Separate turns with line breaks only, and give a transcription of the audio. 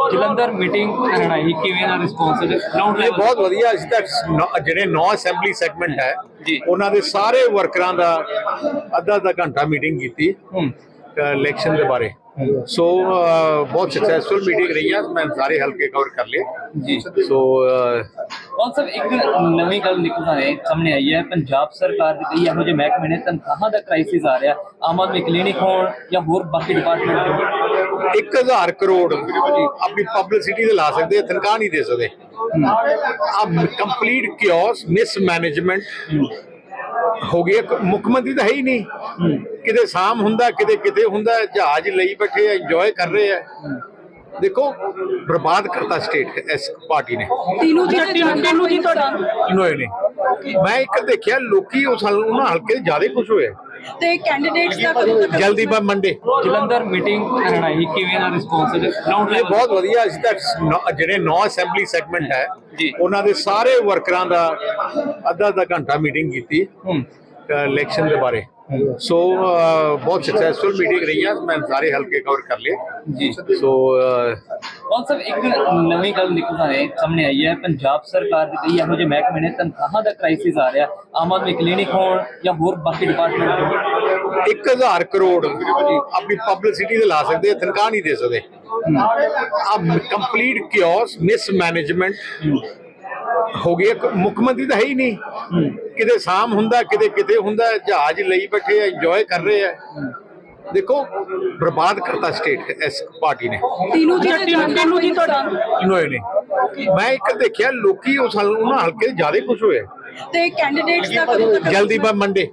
Jalandhar meeting ਕਰਨ ਆਈ ਕਿਵੇਂ ਦਾ response ground
ਇਹ ਬਹੁਤ ਵਧੀਆ। ਅਸੀਂ ਤਾਂ ਜਿਹੜੇ 9 ਅਸੈਂਬਲੀ ਸੈਗਮੈਂਟ ਹੈ
ਜੀ।
ਉਹਨਾਂ ਦੇ ਸਾਰੇ ਵਰਕਰਾਂ ਦਾ ਅੱਧਾ ਘੰਟਾ ਮੀਟਿੰਗ ਕੀਤੀ ਇਲੈਕਸ਼ਨ ਦੇ ਬਾਰੇ। ਸੋ ਬਹੁਤ ਸਕਸੈਸਫੁਲ ਮੀਟਿੰਗ ਰਹੀ ਹੈ। ਮੈਂ ਸਾਰੇ ਹਲਕੇ ਕਵਰ ਕਰ ਲਏ
ਜੀ।
ਸੋ
ਕੌਣ ਸਰ ਇੱਕ ਨਵੀਂ ਗੱਲ ਨਿਕਲ ਸਾਹਮਣੇ ਆਈ ਹੈ, ਪੰਜਾਬ ਸਰਕਾਰ ਦੇ ਕਈ ਇਹੋ ਜਿਹੇ ਮਹਿਕਮੇ ਨੇ ਤਨਖਾਹਾਂ ਦਾ ਕ੍ਰਾਈਸਿਸ ਆ ਰਿਹਾ, ਆਮ ਆਦਮੀ ਕਲੀਨਿਕ ਹੋਣ ਜਾਂ ਹੋਰ ਬਾਕੀ ਡਿਪਾਰਟਮੈਂਟ ਹੋਣ।
1000 ਕਰੋੜ ਆਪਣੀ ਪਬਲਿਸਿਟੀ ਤੇ ਲਾ ਸਕਦੇ, ਤਨਖਾਹ ਨਹੀਂ ਦੇ ਸਕਦੇ। ਕੰਪਲੀਟ ਕਿਓਸ ਮਿਸਮੈਨੇਜਮੈਂਟ ਹੋ ਗਈ। ਮੁੱਖ ਮੰਤਰੀ ਤਾਂ ਹੈ ਹੀ ਨਹੀਂ, ਕਿਤੇ ਸਾਮ ਹੁੰਦਾ ਕਿਤੇ ਹੁੰਦਾ, ਜਹਾਜ਼ ਲਈ ਬੈਠੇ ਆ, ਇੰਜੋਏ ਕਰ ਰਹੇ ਆ। ਦੇਖੋ ਬਰਬਾਦ ਕਰਤਾ ਸਟੇਟ ਇਸ ਪਾਰਟੀ ਨੇ।
तीनों जी
ਇਨੋਏ ਨੇ। ਮੈਂ ਇੱਕ ਦੇਖਿਆ ਲੋਕੀ ਉਹਨਾਂ ਹਲਕੇ ਦੇ ਜ਼ਿਆਦਾ ਖੁਸ਼ ਹੋਏ
ਤੇ ਕੈਂਡੀਡੇਟਸ ਦਾ ਕਦੋਂ ਤੱਕ
ਜਲਦੀ ਮੰਡੇ।
ਜਲੰਧਰ ਮੀਟਿੰਗ ਕਰਨ ਆਈ ਕਿਵੇਂ ਦਾ ਰਿਸਪੌਂਸ ਗਰਾਊਂਡ
ਇਹ ਬਹੁਤ ਵਧੀਆ। ਅਸੀਂ ਤਾਂ ਜਿਹੜੇ 9 ਅਸੈਂਬਲੀ ਸੈਗਮੈਂਟ ਹੈ
ਜੀ।
ਉਹਨਾਂ ਦੇ ਸਾਰੇ ਵਰਕਰਾਂ ਦਾ ਅੱਧਾ ਘੰਟਾ ਮੀਟਿੰਗ ਕੀਤੀ ਇਲੈਕਸ਼ਨ ਦੇ ਬਾਰੇ। ਸੋ ਬਹੁਤ ਸਕਸੈਸਫੁਲ ਮੀਟਿੰਗ ਰਹੀ ਹੈ। ਮੈਂ ਸਾਰੇ ਹਲਕੇ ਕਵਰ ਕਰ ਲਏ
ਜੀ।
ਸੋ
ਕੌਣ ਸਰ ਇੱਕ ਨਵੀਂ ਗੱਲ ਨਿਕਲ ਸਾਹਮਣੇ ਆਈ ਹੈ, ਪੰਜਾਬ ਸਰਕਾਰ ਦੇ ਕਈ ਇਹੋ ਜਿਹੇ ਮਹਿਕਮੇ ਨੇ ਤਨਖਾਹਾਂ ਦਾ ਕ੍ਰਾਈਸਿਸ ਆ ਰਿਹਾ, ਆਮ ਆਦਮੀ ਕਲੀਨਿਕ ਹੋਣ ਜਾਂ ਹੋਰ ਬਾਕੀ ਡਿਪਾਰਟਮੈਂਟ ਹੋਣ।
1000 ਕਰੋੜ ਆਪਣੀ ਪਬਲਿਸਿਟੀ ਤੇ ਲਾ ਸਕਦੇ, ਤਨਖਾਹ ਨਹੀਂ ਦੇ ਸਕਦੇ। ਕੰਪਲੀਟ ਕਿਓਸ ਮਿਸਮੈਨੇਜਮੈਂਟ ਹੋ ਗਈ। ਮੁੱਖ ਮੰਤਰੀ ਤਾਂ ਹੈ ਹੀ ਨਹੀਂ, ਕਿਤੇ ਸਾਮ ਹੁੰਦਾ ਕਿਤੇ ਹੁੰਦਾ, ਜਹਾਜ਼ ਲਈ ਬੈਠੇ ਆ, ਇੰਜੋਏ ਕਰ ਰਹੇ ਆ। ਦੇਖੋ ਬਰਬਾਦ ਕਰਤਾ ਸਟੇਟ ਇਸ ਪਾਰਟੀ ਨੇ।
तीनों जी
ਇਨੋਏ ਨੇ। ਮੈਂ ਇੱਕ ਦੇਖਿਆ ਲੋਕੀ ਉਹਨਾਂ ਹਲਕੇ ਦੇ ਜ਼ਿਆਦਾ ਖੁਸ਼ ਹੋਏ
ਤੇ ਕੈਂਡੀਡੇਟਸ ਦਾ ਕਦੋਂ ਤੱਕ
ਜਲਦੀ ਮੰਡੇ।